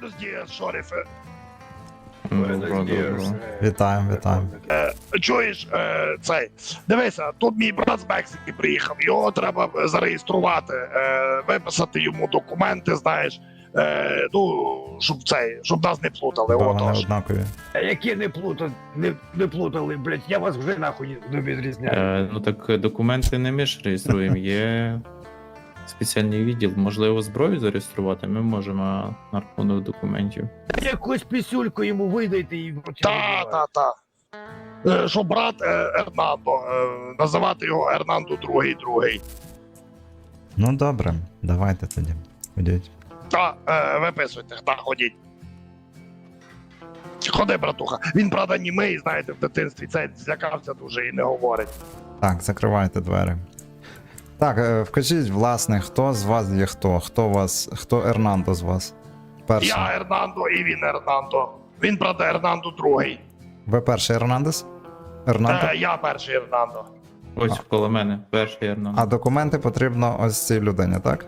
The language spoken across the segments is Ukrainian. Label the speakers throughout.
Speaker 1: Buenos días, шорифе.
Speaker 2: Вітаємо, вітаємо.
Speaker 1: Чуєш, цей, дивися, тут мій брат з Мексики приїхав, його треба зареєструвати, виписати йому документи, знаєш, щоб нас не плутали,
Speaker 2: Бо вони
Speaker 1: отож.
Speaker 2: однакові.
Speaker 3: Які не плутали, блядь, я вас вже нахуй не відрізняю.
Speaker 4: Ну так документи не ми ж реєструємо, є спеціальний відділ. Можливо, зброю зареєструвати ми можемо на рахунок документів.
Speaker 3: Якусь пісюльку йому видайте і вручайте.
Speaker 1: Що брат Ернандо, називати його Ернандо другий.
Speaker 2: Ну добре, давайте тоді. Ходіть.
Speaker 1: Виписуйте, ходіть. Ходи, братуха. Він, правда, німий, знаєте, в дитинстві цей злякався дуже і не говорить.
Speaker 2: Так, закривайте двері. Так, вкажіть, власне, хто з вас є хто? Хто Ернандо з вас? Перший.
Speaker 1: Я Ернандо і він Ернандо. Він, правда, Ернандо другий.
Speaker 2: Ви перший Ернандес? Ернандо?
Speaker 1: Я перший Ернандо.
Speaker 4: Ось коло мене, перший Ернан.
Speaker 2: А документи потрібно ось цій людині, так?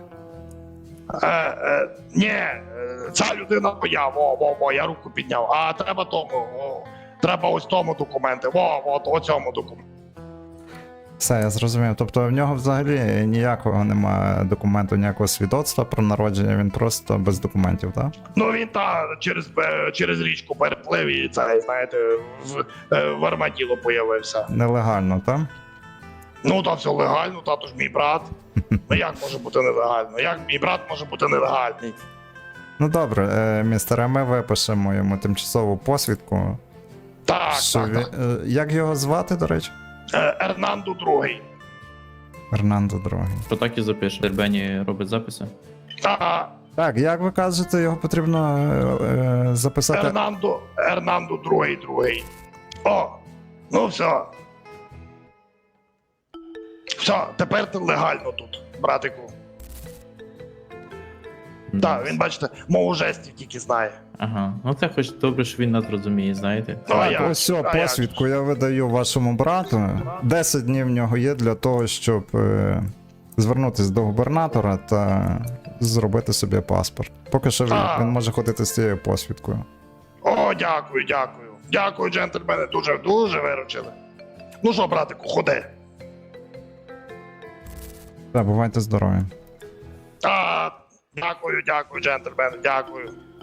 Speaker 1: Ні, ця людина моя, я руку підняв. А треба тому, треба ось тому документи. Оцьому документі.
Speaker 2: Все, я зрозумів. Тобто в нього взагалі ніякого немає документу, ніякого свідоцтва про народження, він просто без документів, так?
Speaker 1: Ну він через річку переплив і це, знаєте, в армаділо появився.
Speaker 2: Нелегально, так?
Speaker 1: Ну та все легально, тато ж мій брат. Ну як може бути нелегально? Як мій брат може бути нелегальний?
Speaker 2: Ну добре, містере, ми випишемо йому тимчасову посвідку.
Speaker 1: Так.
Speaker 2: Як його звати, до речі?
Speaker 1: Ернандо другий.
Speaker 2: Ернандо другий.
Speaker 4: Що так і запише. Дербені робить записи.
Speaker 2: Так, як ви кажете, його потрібно записати.
Speaker 1: Ернандо другий. О, ну все. Все, тепер ти легально тут, братику. Так, він, бачите, мову жестів тільки знає.
Speaker 4: Ага, ну це хоч добре, що він нас розуміє, знаєте.
Speaker 2: Так, ось все, посвідку я видаю вашому брату. 10 днів в нього є для того, щоб звернутися до губернатора та зробити собі паспорт. Поки що він може ходити з цією посвідкою.
Speaker 1: О, дякую. Дякую, джентльмени, дуже виручили. Ну що, братику, ходи.
Speaker 2: Так, бувайте здорові.
Speaker 1: Дякую, джентльмени, дякую.